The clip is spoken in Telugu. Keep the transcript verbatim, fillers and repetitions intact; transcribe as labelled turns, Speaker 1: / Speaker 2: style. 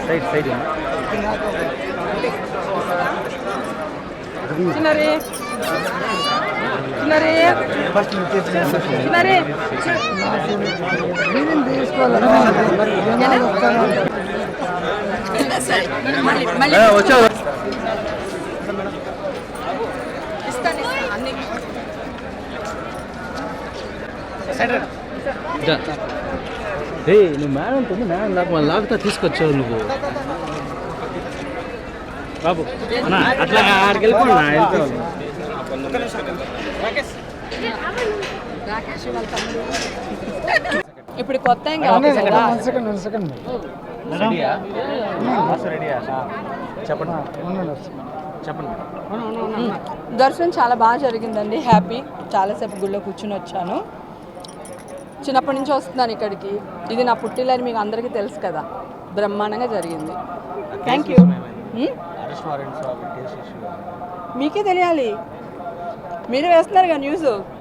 Speaker 1: సైడ్ సైడ్
Speaker 2: చిన్నరి చిన్నరి చిన్నరి
Speaker 1: వచ్చా ఏ నువ్వు మేడం ఉంది మేడం లాగా మళ్ళీ లాగుతా తీసుకొచ్చావు నువ్వు బాబు అన్నా అట్లా ఆడికి వెళ్ళిపోండి నా వెళ్ళిపోవాలి
Speaker 2: ఇప్పుడు కొత్త ఏం కావాలి కదా
Speaker 1: చెప్పండి చెప్పండి
Speaker 2: దర్శనం చాలా బాగా జరిగిందండి. హ్యాపీ. చాలాసేపు గుళ్ళో కూర్చుని వచ్చాను. చిన్నప్పటి నుంచి వస్తున్నాను ఇక్కడికి. ఇది నా పుట్టిల్లని మీకు అందరికీ తెలుసు కదా. బ్రహ్మాండంగా జరిగింది. Thank you. మీకే తెలియాలి, మీరే వేస్తున్నారు కదా న్యూస్.